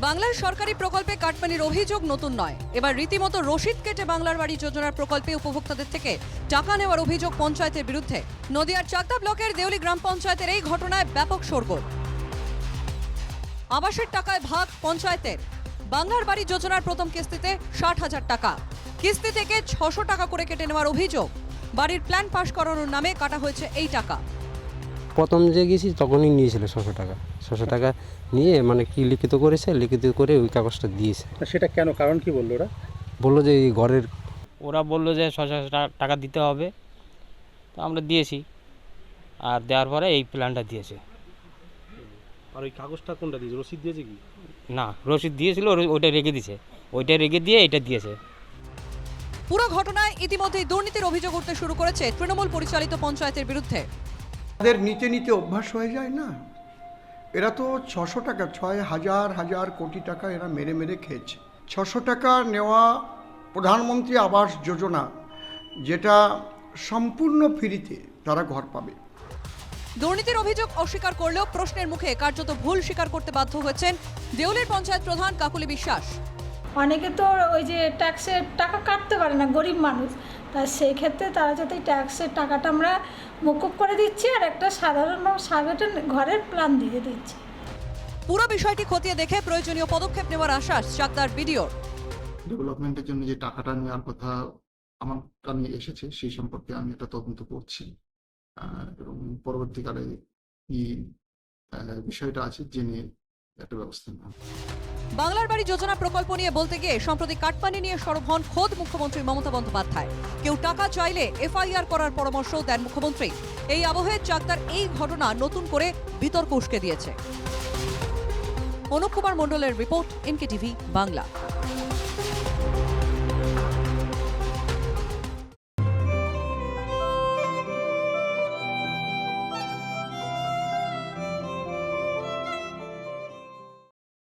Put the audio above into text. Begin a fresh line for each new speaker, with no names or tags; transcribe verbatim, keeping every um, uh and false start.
বাংলার সরকারি প্রকল্পে কাটমানির অভিযোগ নতুন নয়। এবার রীতিমতো রসিদ কেটে বাংলার বাড়ি যোজনার প্রকল্পে উপভোক্তাদের থেকে টাকা নেওয়ার অভিযোগ পঞ্চায়েতের বিরুদ্ধে। নদিয়ার চাকদা ব্লকের দেউলি গ্রাম পঞ্চায়েতের এই ঘটনায় ব্যাপক শোরগোল। আবাসের টাকায় ভাগ পঞ্চায়েতের। বাংলার বাড়ি যোজনার প্রথম কিস্তিতে ষাট হাজার টাকা, কিস্তি থেকে ছশো টাকা করে কেটে নেওয়ার অভিযোগ। বাড়ির প্ল্যান পাস করানোর নামে কাটা হয়েছে এই টাকা।
প্রথম যে গেছি তখনই নিয়েছিল ছশো টাকা ছশো টাকা নিয়ে মানে কি লিখিত করেছে, লিখিত করে ওই কাগজটা দিয়েছে।
সেটা কেন, কারণ কি বললো ওরা?
বললো যে এই ঘরের
ওরা বললো যে ছশো টাকা দিতে হবে, তো আমরা দিয়েছি। আর দেওয়ার পরে এই প্ল্যানটা দিয়েছে।
আর ওই কাগজটা কোনটা দিয়েছে? রসিদ দিয়েছে কি
না, রসিদ দিয়েছিল, ওইটা রেখে দিয়েছে, ওইটা রেখে দিয়ে এটা দিয়েছে।
পুরো ঘটনায় ইতিমধ্যেই দুর্নীতির অভিযোগ উঠতে শুরু করেছে তৃণমূল পরিচালিত পঞ্চায়েতের বিরুদ্ধে।
তাদের নিতে নিতে অভ্যাস হয়ে যায় না। এরা তো ছশো টাকা ছয় হাজার হাজার কোটি টাকা এরা মেরে মেরে খেয়েছে। ছশো টাকা নেওয়া প্রধানমন্ত্রী আবাস যোজনা, যেটা সম্পূর্ণ ফ্রিতে তারা ঘর পাবে।
দুর্নীতির অভিযোগ অস্বীকার করলেও প্রশ্নের মুখে কার্যত ভুল স্বীকার করতে বাধ্য হয়েছেন দেউলির পঞ্চায়েত প্রধান কাকুলি বিশ্বাস।
অনেকে তো ওই যে ট্যাক্সের টাকা কাটতে পারে না, গরিব মানুষ, তাই সেই ক্ষেত্রে তারা যাতে ট্যাক্সের টাকাটা আমরা মকুব করে দিচ্ছি আর একটা সাধারণ সাধারণ ঘরের প্ল্যান দিয়ে দিচ্ছি।
পুরো বিষয়টি খতিয়ে দেখে প্রয়োজনীয় পদক্ষেপ নেওয়ার আশ্বাস চাকদার বিডিওর।
ডেভেলপমেন্টের জন্য যে টাকাটা নেওয়ার কথা আমার কানে এসেছে সেই সম্পর্কে আমি এটা তদন্ত করছি এবং পরবর্তীকালে কি বিষয়টা আছে জেনে একটা ব্যবস্থা নেওয়া।
বাংলার বাড়ি যোজনা প্রকল্প নিয়ে বলতে গিয়ে সম্প্রতি কাটমানি নিয়ে সরব হন খোদ মুখ্যমন্ত্রী মমতা বন্দ্যোপাধ্যায়। কেউ টাকা চাইলে এফআইআর করার পরামর্শও দেন মুখ্যমন্ত্রী। এই আবহে চাকদার এই ঘটনা নতুন করে বিতর্ক উস্কে দিয়েছে। অনুপ কুমার মণ্ডলের রিপোর্ট, এনকে টিভি বাংলা।